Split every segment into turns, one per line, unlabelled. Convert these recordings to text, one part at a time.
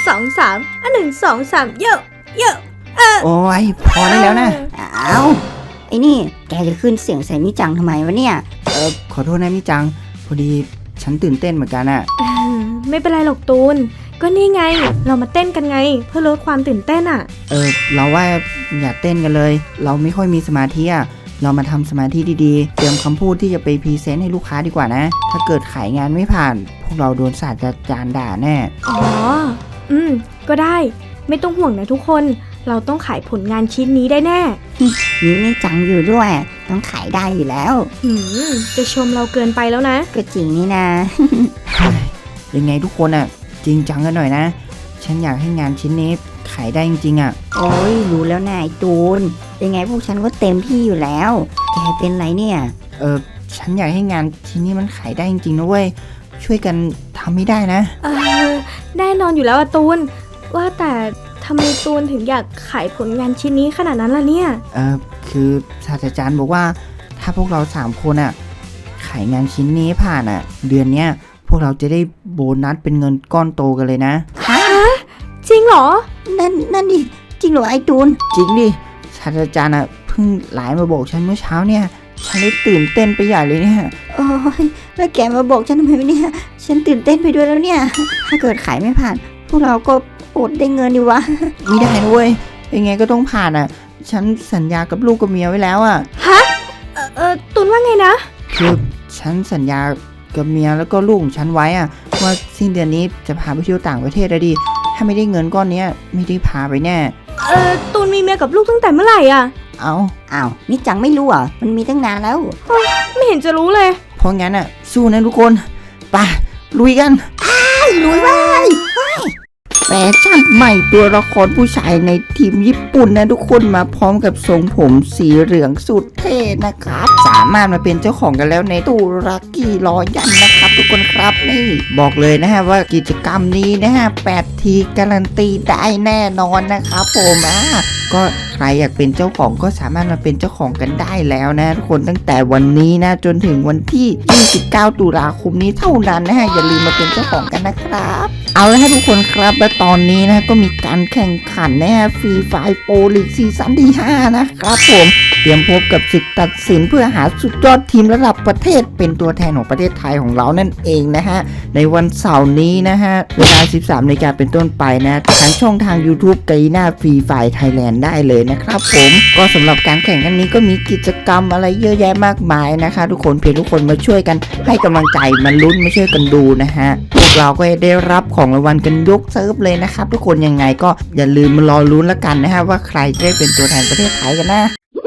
2 31 2 3เยอะเยอะ
โอ้ยพอได้แล้วนะ
เอาไอ้นี่แกจะขึ้นเสียงใส่มิจังทำไมวะเนี่ย
ขอโทษนะมิจังพอดีฉันตื่นเต้นเหมือนกันอะ
ไม่เป็นไรหรอกตูนก็นี่ไงเรามาเต้นกันไงเพื่อลดความตื่นเต้นอ่ะ
เราว่าอย่าเต้นกันเลยเราไม่ค่อยมีสมาธิอะเรามาทำสมาธิดีๆเตรียมคำพูดที่จะไปพรีเซนต์ให้ลูกค้าดีกว่านะถ้าเกิดขายงานไม่ผ่านพวกเราโดนศาสตราจารย์ด่าแน่
อ๋อก็ได้ไม่ต้องห่วงนะทุกคนเราต้องขายผลงานชิ้นนี้ได้แน่
มีมิจังอยู่ด้วยต้องขายได้อยู่แล้ว
จะชมเราเกินไปแล้วนะ
ก็จริงนี่นะ
ยังไงทุกคนอะจริงจังกันหน่อยนะฉันอยากให้งานชิ้นนี้ขายได้จริงๆอะ
โอ้ยรู้แล้วนายตูนยังไงพวกฉันก็เต็มที่อยู่แล้วแกเป็นไรเนี่ย
ฉันอยากให้งานชิ้นนี้มันขายได้จริงๆนะเว้ยช่วยกันทำไม่ได้นะ
แน่นอนอยู่แล้วอะตูนว่าแต่ทำไมตูนถึงอยากขายผลงานชิ้นนี้ขนาดนั้นล่ะเนี่ย
คือศาสตราจารย์บอกว่าถ้าพวกเรา3คนอะขายงานชิ้นนี้ผ่านอะเดือนเนี้ยพวกเราจะได้โบนัสเป็นเงินก้อนโตกันเลยนะ
ฮะจริงเหรอ
นั่นดิจริงเหรอไอ้ตูน
จริงดิศาสตราจารย์เพิ่งไลน์มาบอกฉันเมื่อเช้าเนี่ยฉันได้ตื่นเต้นไปใหญ่เลยเนี่ย
โอ้ยแล้วแกมาบอกฉันทำไมเนี่ยฉันตื่นเต้นไปด้วยแล้วเนี่ยถ้าเกิดขายไม่ผ่านพวกเราก็อดได้เงินดีวะ
ไม่ได้นะเว้ยยังไงก็ต้องผ่านฉันสัญญากับลูกกับเมียไว้แล้ว
ฮะตูนว่าไงนะ
คือฉันสัญญากับเมียแล้วก็ลูกของฉันไว้ว่าสิ้นเดือนนี้จะพาไปเที่ยวต่างประเทศดิถ้าไม่ได้เงินก้อนนี้ไม่ได้พาไปแน่
ตูนมีเมียกับลูกตั้งแต่เมื่อไหร่
อ้าวนี่จังไม่รู้มันมีตั้งนานแล้ว
ไม่เห็นจะรู้เลย
เพราะงั้นสู้นะทุกคนไปลุยกัน
ลุยไป
แฟชั่นใหม่ตัวละครผู้ชายในทีมญี่ปุ่นนะทุกคนมาพร้อมกับทรงผมสีเหลืองสุดเท่นะครับสามารถมาเป็นเจ้าของกันแล้วในตู้ลักกี้รอยันนะครับทุกคนครับนี่บอกเลยนะฮะว่ากิจกรรมนี้นะฮะ8 ทีการันตีได้แน่นอนนะครับผมก็ใครอยากเป็นเจ้าของก็สามารถมาเป็นเจ้าของกันได้แล้วนะทุกคนตั้งแต่วันนี้นะจนถึงวันที่29 ตุลาคมนี้เท่านั้นนะฮะอย่าลืมมาเป็นเจ้าของกันนะครับเอาละฮะทุกคนครับและตอนนี้นะก็มีการแข่งขันนะฮะฟรีไฟล์โปรลีกซีซั่นที่5นะครับผมเตรียมพบกับศึกตัดสินเพื่อหาสุดยอดทีมระดับประเทศเป็นตัวแทนของประเทศไทยของเรานั่นเองนะฮะในวันเสาร์นี้นะฮะเวลา 13 นาฬิกาเป็นต้นไปนะทางช่องทาง YouTube ไกน่าฟรีไฟล์ไทยแลนด์ได้เลยนะครับผมก็สำหรับการแข่งครั้งนี้ก็มีกิจกรรมอะไรเยอะแยะมากมายนะคะทุกคนเพียงทุกคนมาช่วยกันให้กำลังใจมาลุ้นมาช่วยกันดูนะฮะพวกเราก็ได้รับของรางวัลกันยกเซิร์ฟเลยนะครับทุกคนยังไงก็อย่าลืมมารอลุ้นแล้วกันนะฮะว่าใครจะได้เป็นตัวแทนประเทศไทยกันนะ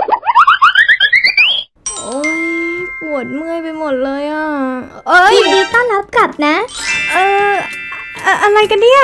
โอ้ยปวดเมื่อยไปหมดเลย
ยินดีต้อนรับกลับนะ
อะไรกันเนี่ย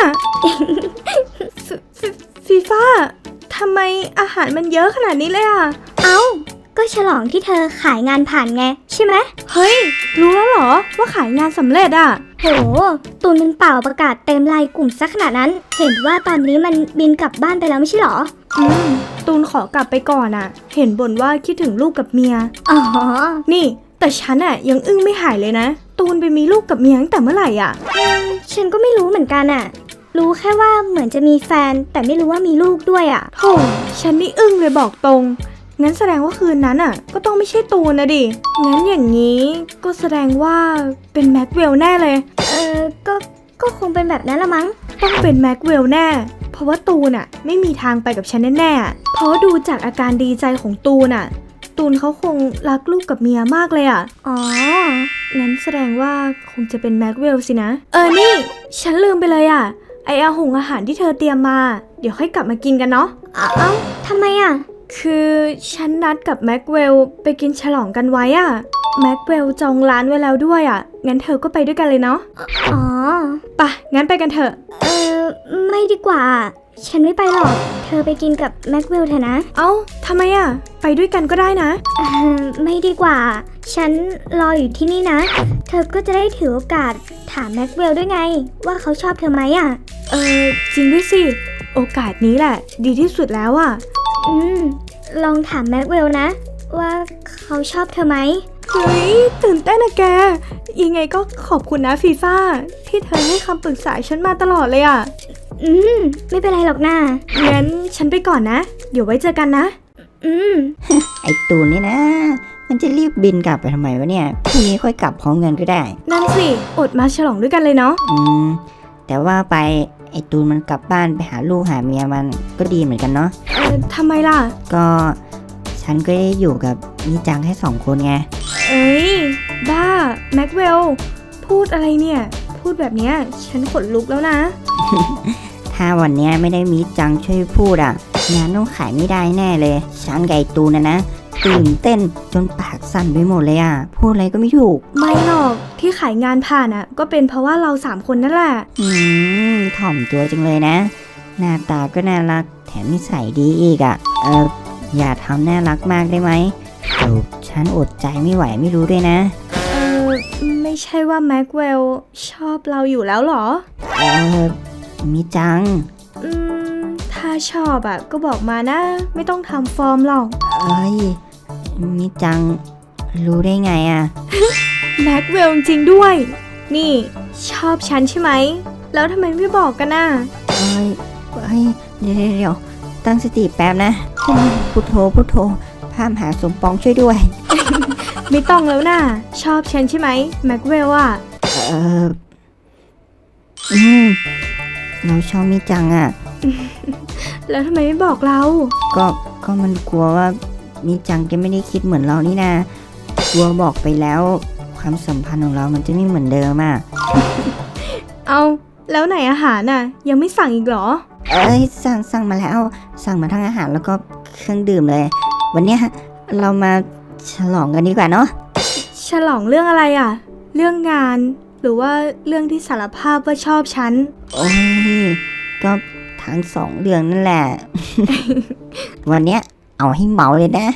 ฟีฟ่าทำไมอาหารมันเยอะขนาดนี้เลย
เอ้าก็ฉลองที่เธอขายงานผ่านไงใช่ไหม
เฮ้ยรู้แล้วเหรอว่าขายงานสำเร็จ
โหตูนมันเป่าประกาศเต็มไลน์กลุ่มซะขนาดนั้นเห็นว่าตอนนี้มันบินกลับบ้านไปแล้วไม่ใช่หรอ
ตูนขอกลับไปก่อนเห็นบ่นว่าคิดถึงลูกกับเมียนี่แต่ฉันยังอึ้งไม่หายเลยนะตูนไปมีลูกกับเมียตั้งแต่เมื่อไหร่
ฉันก็ไม่รู้เหมือนกันรู้แค่ว่าเหมือนจะมีแฟนแต่ไม่รู้ว่ามีลูกด้วย
โธ่ฉันนี่อึ้งเลยบอกตรงงั้นแสดงว่าคืนนั้นก็ต้องไม่ใช่ตูนนะดิงั้นอย่างนี้ก็แสดงว่าเป็นแม็กเวลแน่เลย
ก็คงเป็นแบบนั้นละมั้ง
ต้องเป็นแม็กเวลแน่เพราะว่าตูนไม่มีทางไปกับฉันแน่ๆเพราะดูจากอาการดีใจของตูนตูนเขาคงรักลูกกับเมียมากเลย
อ๋อ
งั้นแสดงว่าคงจะเป็นแม็กเวลสินะนี่ฉันลืมไปเลยไออาหารที่เธอเตรียมมาเดี๋ยวค่อยกลับมากินกันเนาะ
ทำไม
คือฉันนัดกับแม็กเวลไปกินฉลองกันไว้แม็กเวลจองร้านไว้แล้วด้วยงั้นเธอก็ไปด้วยกันเลยเนาะ
อ๋อ
ไปงั้นไปกันเถอะ
ไม่ดีกว่าฉันไม่ไปหรอกเธอไปกินกับแม็กเวลเถอะนะ
ทำไมไปด้วยกันก็ได้นะ
ไม่ดีกว่าฉันรออยู่ที่นี่นะเธอก็จะได้ถือโอกาสถามแม็กเวลด้วยไงว่าเขาชอบเธอไหม
จริงด้วยสิโอกาสนี้แหละดีที่สุดแล้ว
ลองถามแม็กเวลนะว่าเขาชอบเธอไหม
เฮ้ยตื่นเต้นแกยังไงก็ขอบคุณนะฟีฟ่าที่เธอให้คำปรึกษาฉันมาตลอดเลย
ไม่เป็นไรหรอกนะ
งั้นฉันไปก่อนนะ เดี๋ยวไว้เจอกันนะ
ไอ้ตูนนี่นะ มันจะรีบบินกลับไปทำไมวะเนี่ยพรุ่งนี้ค่อยกลับพร้อมกันก็ได้
นั่นสิ อดมาฉลองด้วยกันเลยเนาะ
แต่ว่าไปไอ้ตูนมันกลับบ้านไปหาลูกหาเมียมันก็ดีเหมือนกันเนาะ
ทำไมล่ะ
ก็ฉันก็ได้อยู่กับนิจังแค่2 คนไง
เอ้ย บ้า แม็กเวล พูดอะไรเนี่ย พูดแบบเนี้ยฉันขนลุกแล้วนะ
ถ้าวันเนี้ยไม่ได้มิจังช่วยพูดงานต้องขายไม่ได้แน่เลย ฉันกับไอ้ตูนนะตื่นเต้นจนปากสั่นไปหมดเลยพูดอะไรก็ไม่ถูก
ไม่หรอก ที่ขายงานผ่านอ่ะ ก็เป็นเพราะว่าเรา3 คนนั่นแหละ
ถ่อมตัวจังเลยนะ หน้าตาก็น่ารักแถมนิสัยดีอีกอย่าทำน่ารักมากได้ไหมเดี๋ยวฉันอดใจไม่ไหวไม่รู้ด้วยนะ
ไม่ใช่ว่าแม็กเวลชอบเราอยู่แล้วเหรอ
มิจัง
ถ้าชอบอ่ะก็บอกมานะ ไม่ต้องทำฟอร์มหรอก
เอ้ยมิจังรู้ได้ไง
แม็กเวลจริงๆด้วย นี่ชอบฉันใช่ไหม แล้วทำไมไม่บอกกันน่ะ
เดี๋ยวตั้งสติแป๊บนะพุทโธพามหาสมปองช่วยด้วย
ไม่ต้องแล้วน่ะ ชอบฉันใช่ไหมแม็กเวลอ่ะ
เราชอบมิจัง
แล้วทำไมไม่บอกเรา
ก็มันกลัวว่ามิจังจะไม่ได้คิดเหมือนเรานี่นะกลัวบอกไปแล้วความสัมพันธ์ของเรามันจะไม่เหมือนเดิม
เอาแล้วไหนอาหารน่ะ ยังไม่สั่งอีกเหรอ
สั่งมาแล้วสั่งมาทั้งอาหารแล้วก็เครื่องดื่มเลย วันเนี้ยเรามาฉลองกันดีกว่าเนาะ
ฉลองเรื่องอะไรอ่ะ เรื่องงาน หรือว่าเรื่องที่สารภาพว่าชอบฉัน
โอ้ยก็ทั้ง2 เรื่องนั่นแหละ วันเนี้ยเอาให้เมาเลยนะ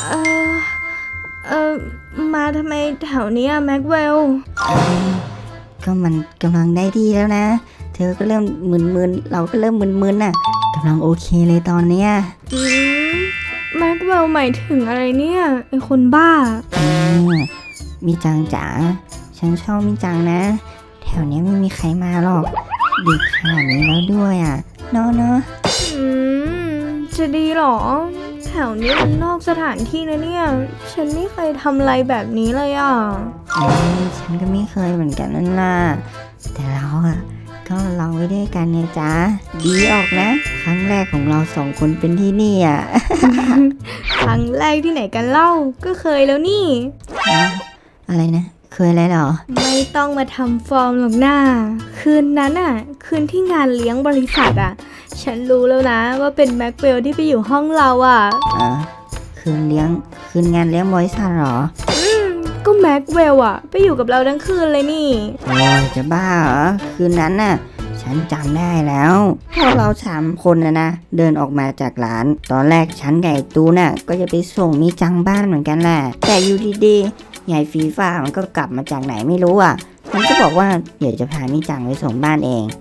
มาทำไมแถวเนี้ยแม็กเวล
ก็มันกำลังได้ที่แล้วนะ เธอก็เริ่มมึนๆเราก็เริ่มมึนๆกำลังโอเคเลยตอนเนี้ย
แม็กเวลหมายถึงอะไรเนี่ยไอคนบ้า
มิจังจ๋าฉันชอบมิจังนะแถวนี้ไม่มีใครมาหรอกดึกขนาดนี้แล้วด้วยเนาะ
จะดีหรอ แถวนี้มันนอกสถานที่นะเนี่ย ฉันไม่เคยทำอะไรแบบนี้เลย
ฉันก็ไม่เคยเหมือนกันนั่นล่ะแต่เราก็ลองไว้ด้วยกันไงจ๊ะดีออกนะ ครั้งแรกของเรา2 คนเป็นที่นี่
ครั้งแรกที่ไหนกันเล่าก็เคยแล้วนี่
อะไรนะเคยอะไรหรอ
ไม่ต้องมาทำฟอร์มหรอกหน้าคืนนั้นคืนที่งานเลี้ยงบริษัทฉันรู้แล้วนะว่าเป็นแม็กเวลที่ไปอยู่ห้องเรา
คืนงานเลี้ยงบริษัทหรอ
ก็แม็กเวลไปอยู่กับเราทั้งคืนเลยนี่
โอ้ยจะบ้าเหรอคืนนั้นฉันจำได้แล้วพวกเรา3 คนนะเดินออกมาจากร้านตอนแรกฉันกับไอ้ตูนก็จะไปส่งมิจังบ้านเหมือนกันแหละแต่อยู่ดีๆใหญ่ฟีฟ้ามันก็กลับมาจากไหนไม่รู้มันก็บอกว่าเดี๋ยวจะพามิจังไปส่งบ้านเอง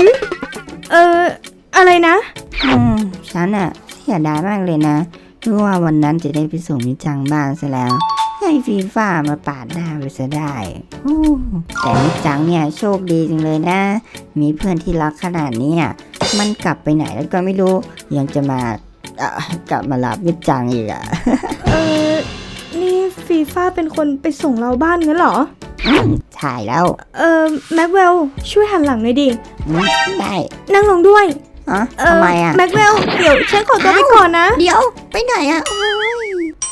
อะไรนะ
ฉันเสียดายมากเลยนะรู้ว่าวันนั้นจะได้ไปส่งมิจังบ้านซะแล้วให้ฟีฟ้ามาปาดหน้าไปซะได้แต่มิจังเนี่ยโชคดีจังเลยนะมีเพื่อนที่รักขนาดนี้มันกลับไปไหนแล้วก็ไม่รู้ยังจะกลับมารับมิจังอีก
นี่ฟีฟ้าเป็นคนไปส่งเราบ้านงั้นเหรอ
ใช่แล้ว
แม็กเวลช่วยหันหลังหน่อยดิ
ได้
นั่งลงด้วย
ทำไม
แม็กเวลเดี๋ยวฉันขอตัวไปก่อนนะ
เดี๋ยวไปไหนโอ้ย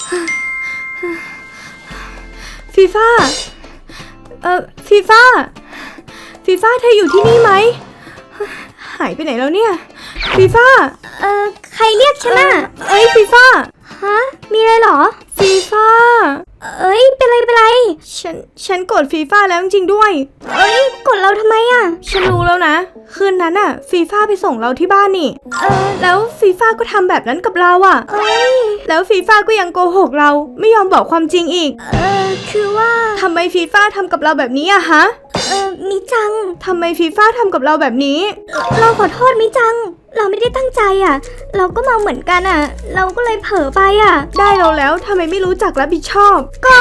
ฟีฟ้าฟีฟ้าเธออยู่ที่นี่ไหมหายไปไหนแล้วเนี่ยฟีฟ้า
ใครเรียกฉัน
ฟีฟ้า
มีอะไรหรอ
ฟีฟ้า
เป็นไร
ฉันกดฟีฟ้าแล้วจริงๆด้วย
กดเราทำไม
ฉันรู้แล้วนะคืนนั้นฟีฟ้าไปส่งเราที่บ้านนี่แล้วฟีฟ้าก็ทำแบบนั้นกับเราแล้วฟีฟ้าก็ยังโกหกเราไม่ยอมบอกความจริงอีก
คือว่า
ทำไมฟีฟ้าทำกับเราแบบนี้ฮะ
มิจัง
ทำไมฟีฟ้าทำกับเราแบบนี้
เราขอโทษมิจังเราไม่ได้ตั้งใจเราก็เมาเหมือนกันเราก็เลยเผลอไป
ได้เราแล้วทำไมไม่รู้จักรับผิดชอบ
ก็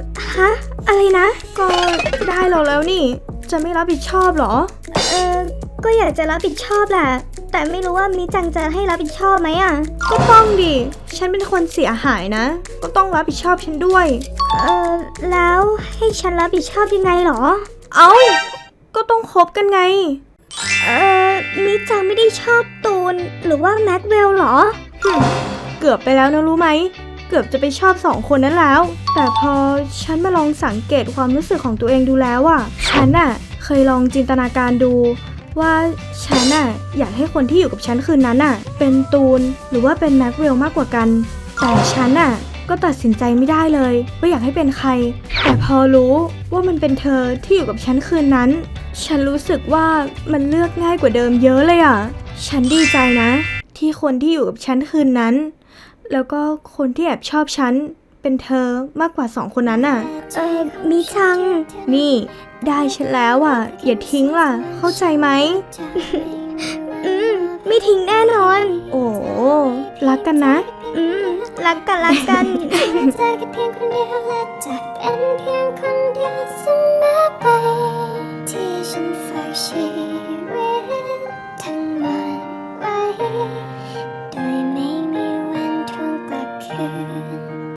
อะไรนะ
ก็ได้เราแล้วนี่จะไม่รับผิดชอบหรอ
ก็อยากจะรับผิดชอบแหละ แต่ไม่รู้ว่ามิจังจะให้รับผิดชอบไหมอ่ะ
ก็ต้องดิ ฉันเป็นคนเสียหายนะ ก็ต้องรับผิดชอบฉันด้วย
แล้วให้ฉันรับผิดชอบยังไงหรอ
เอ้า ก็ต้องคบกันไง
มิจังไม่ได้ชอบตูนหรือว่าแม็กเวลหรอ
เกือบไปแล้วนะรู้ไหม เกือบจะไปชอบสองคนนั้นแล้ว แต่พอฉันมาลองสังเกตความรู้สึกของตัวเองดูแล้วอะฉันอะเคยลองจินตนาการดู ว่าฉันอะอยากให้คนที่อยู่กับฉันคืนนั้นอะเป็นตูนหรือว่าเป็นแม็กเวลมากกว่ากัน แต่ฉันอะก็ตัดสินใจไม่ได้เลยว่าอยากให้เป็นใคร แต่พอรู้ว่ามันเป็นเธอที่อยู่กับฉันคืนนั้น ฉันรู้สึกว่ามันเลือกง่ายกว่าเดิมเยอะเลยอะฉันดีใจนะ ที่คนที่อยู่กับฉันคืนนั้น แล้วก็คนที่แอบชอบฉันเป็นเธอมากกว่าสองคนนั้นน่ะ
มิจัง
นี่ได้ฉันแล้วอ่ะ อย่าทิ้งล่ะ เข้าใจไหม
ไม่ทิ้งแน่นอน
โอ้รักกันนะ
รักกัน
เธอแค่เพียงคนเดียวและจะเป็นเพียงคน